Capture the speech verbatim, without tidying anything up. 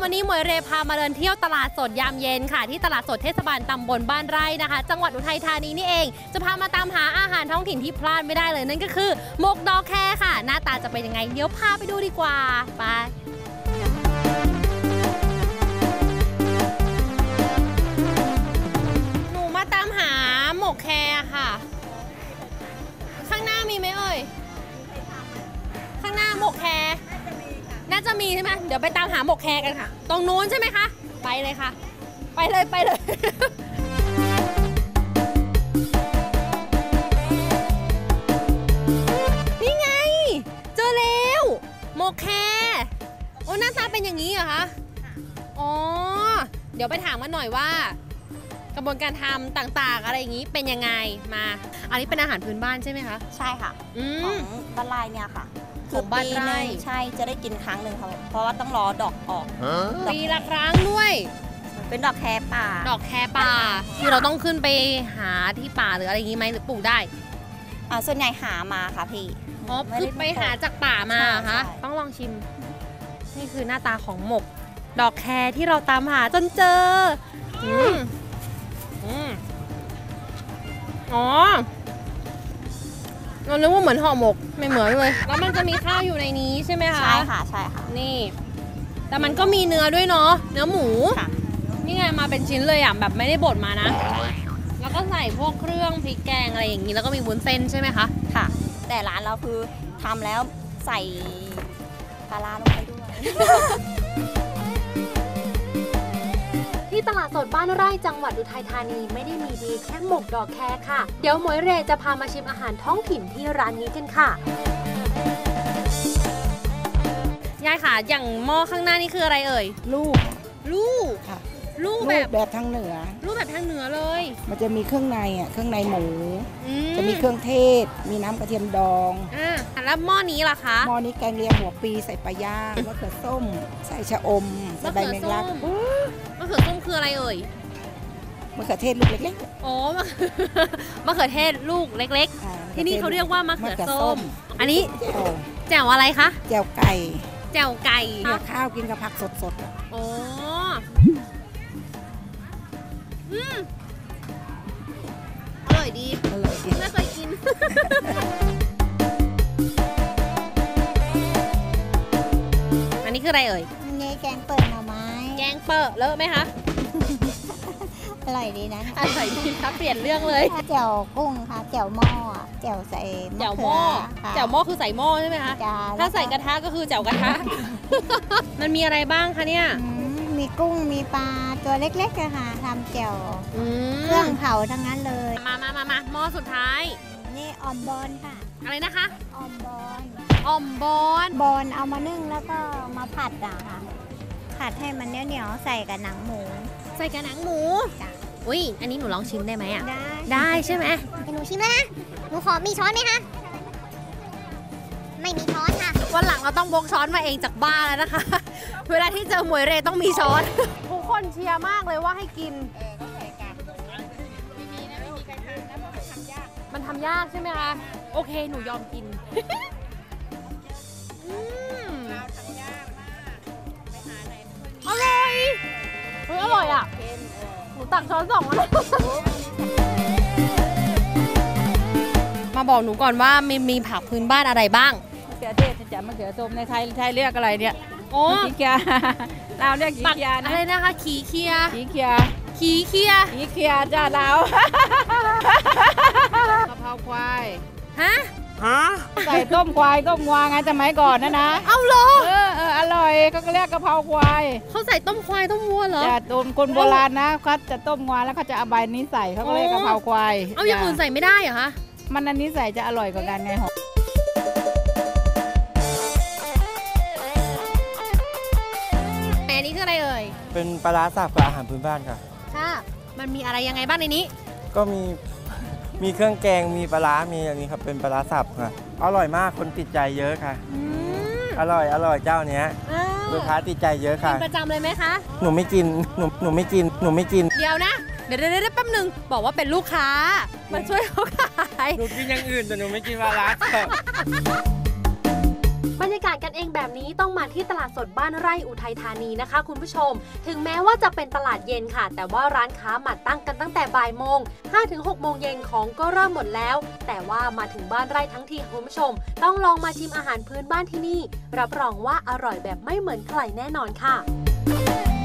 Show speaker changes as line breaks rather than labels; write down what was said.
วันนี้หมวยเรพามาเดินเที่ยวตลาดสดยามเย็นค่ะที่ตลาดสดเทศบาลตำบลบ้านไร่นะคะจังหวัดอุทัยธานีนี่เองจะพามาตามหาอาหารท้องถิ่นที่พลาดไม่ได้เลยนั่นก็คือหมกดอกแคค่ะหน้าตาจะเป็นยังไงเดี๋ยวพาไปดูดีกว่าไปหนูมาตามหาหมกแคค่ะข้างหน้ามีไหมเอ่ยข้างหน้าหมกแคน่าจะมีใช่ไหมเดี๋ยวไปตามหาหมกแคกันค่ะตรงนู้นใช่ไหมคะไปเลยค่ะไปเลยไปเลยนี่ไงเจอแล้วหมกแคโอ้หน้าตาเป็นอย่างนี้เหรอคะอ๋อเดี๋ยวไปถามกันหน่อยว่ากระบวนการทำต่างๆอะไรอย่างนี้เป็นยังไงมาอันนี้เป็นอาหารพื้นบ้านใช่ไหมคะ
ใช่ค่ะของบ้านไร่เนี่ยค่ะคือปีหนึ่งใช่จะได้กินครั้งหนึ่งค่ะเพราะว่าต้องรอดอกออก
ปีละครั้งด้วย
เป็นดอกแคป่า
ดอกแคป่าคือเราต้องขึ้นไปหาที่ป่าหรืออะไรอย่างนี้ไหมหรือปลูกได้
อ่าส่วนใหญ่หามาค่ะพี่
อ๋อคือไปหาจากป่ามาคะต้องลองชิมนี่คือหน้าตาของหมกดอกแคที่เราตามหาจนเจออืมอืมอ๋อเราเรียกว่าเหมือนห่อหมกไม่เหมือนเลยแล้วมันจะมีข้าวอยู่ในนี้ใช่ไหมคะ
ใช่ค่ะใช่ค่ะ
นี่แต่มันก็มีเนื้อด้วยเนาะเนื้อหมูนี่ไงมาเป็นชิ้นเลยอ่ะแบบไม่ได้บดมานะแล้วก็ใส่พวกเครื่องพริกแกงอะไรอย่างนี้แล้วก็มีวุ้นเส้นใช่ไหมคะ
ค่ะแต่ร้านเราคือทำแล้วใส่ปลาร้าลงไปด้วย
ที่ตลาดสดบ้านไร่จังหวัดอุทัยธานีไม่ได้มีดีแค่หมกดอกแคค่ะเดี๋ยวหมวยเรจะพามาชิมอาหารท้องถิ่นที่ร้านนี้กันค่ะยายค่ะอย่างหม้อข้างหน้านี่คืออะไรเอ่ย
ลูก
ลูก
ค่ะ
ลูกแบบ
แบบทางเหนือ
ลูกแบบทางเหนือเลย
มันจะมีเครื่องในอ่ะเครื่องในหมูจะมีเครื่องเทศมีน้ำกระเทียมดอง
อ่าแล้วหม้อนี้ล่ะคะ
หม้อนี้แกงเลียงหัวปีใส่ปลาย่างมะเขือส้มใส่ชะอมใส่ใบแมงลัก
มะเขือส้มคืออะไรเอ่ย
มะเขือเทศลูกเล็ก
ๆอ๋อมะเขือเทศลูกเล็กๆที่นี่เขาเรียกว่ามะเขือส้มอันนี้แจ่วอะไรคะ
แจ่วไก่
แจ่วไก่
เกี่ยวข้าวกินกับผักสด
ๆอ๋ออืมอร่อยดี
อร่อยดี
ไม่เคยกินอันนี้คืออะไรเอ่ย
นี่แกงเปิดหน่อไม้
แกงเปิดเลอะไหมคะ
อร่อยดีนะ
อร่อยดีครับเปลี่ยนเรื่องเลย
แจ่วกุ้งค่ะแจ่วหม้อแจ่วใส่
แจ่วหม้อแจ่วหม้อคือใส่หม้อใช่ไหมคะถ้าใส่กระทะก็คือแจ่วกระทะมันมีอะไรบ้างคะเนี่ย
มีกุ้งมีปลาตัวเล็กๆค่ะทำแจ่วเครื่องเผาทั้งนั้นเลย
มามามามาหม้อสุดท้าย
นี่ออมบอนค่ะ
อะไรนะคะ
ออมบอน
ออมบอน
บอนเอามานึ่งแล้วก็มาผัดอ่ะค่ะผัดให้มันเหนียวๆใส่กับหนังหมู
ใส่กับหนังหมูอุ้ยอันนี้หนูลองชิมได้ไหมอ่ะ
ได้
ได้ใช่ไหม
หนูชิมนะหนูขอมีช้อนไหมคะไม่มีช้อนค่ะ
วันหลังเราต้องพกช้อนมาเองจากบ้านแล้วนะคะเวลาที่เจอหมวยเรต้องมีช้อนทุกคนเชียร์มากเลยว่าให้กินเออก็ใส่กันไม่มีนะไม่มีใครทำนะเพราะมันทำยากมันทำยากใช่ไหมคะโอเคหนูยอมกินเราทำยากมากไปหาไหนอร่อยเฮ้ยอร่อยอ่ะหนูตักช้อนสองแล้วมาบอกหนูก่อนว่ามีมีผักพื้นบ้านอะไรบ้าง
มะเขือเทศจะมะเขือส้มในไทยไทยเรียกอะไรเนี่ย
โอ้
ขี้เกียจเราเรียกขี้เกียจนะ
อะไรนะคะขี้เกียจ
ขี้เกียจ
ขี้เกียจ
ขี้เกียจจ้าเรากะเพราควาย
ฮะ
ฮะใส่ต้มควายต้มงวงไงสมัยก่อนนะนะ
เอาเหรอ
เออเอออร่อยก็เรียกกะเพราควาย
เขาใส่ต้มควายต้มวัวเหรอ
จะต้มคนโบราณนะเขาจะต้มงวงแล้วเขาจะเอาใบนี้ใส่เขาก็เรียกกะเพราควาย
เอาอย่างอื่นใส่ไม่ได้เหรอคะ
มันอันนี้ใส่จะอร่อยกว่ากันไงหอม
อันนี้คืออะไรเอ่ย
เป็นปลาร้าสับกับอาหารพื้นบ้านค่ะ
ค่ะมันมีอะไรยังไงบ้างในนี้
ก็มีมีเครื่องแกงมีปลาร้ามีอันนี้ครับเป็นปลาร้าสับค่ะอร่อยมากคนติดใจเยอะค่ะอร่อยอร่อยเจ้าเนี้ยลูกค้าติดใจเยอะค่ะ
กินประจำเลยไหมคะ
หนูไม่กินหนูหนูไม่กินหนูไม่กิน
เดี๋ยวนะเดี๋ยวเดี๋ยวแป๊บนึงบอกว่าเป็นลูกค้ามาช่วยเขาขาย
หนูกินอย่างอื่นแต่หนูไม่กินปลาร้าสับ
บรรยากาศกันเองแบบนี้ต้องมาที่ตลาดสดบ้านไร่อุทัยธานีนะคะคุณผู้ชมถึงแม้ว่าจะเป็นตลาดเย็นค่ะแต่ว่าร้านค้ามาตั้งกันตั้งแต่บ่ายโมง ห้าถึงหกโมงเย็นของก็เริ่มหมดแล้วแต่ว่ามาถึงบ้านไร่ทั้งทีคุณผู้ชมต้องลองมาชิมอาหารพื้นบ้านที่นี่รับรองว่าอร่อยแบบไม่เหมือนใครแน่นอนค่ะ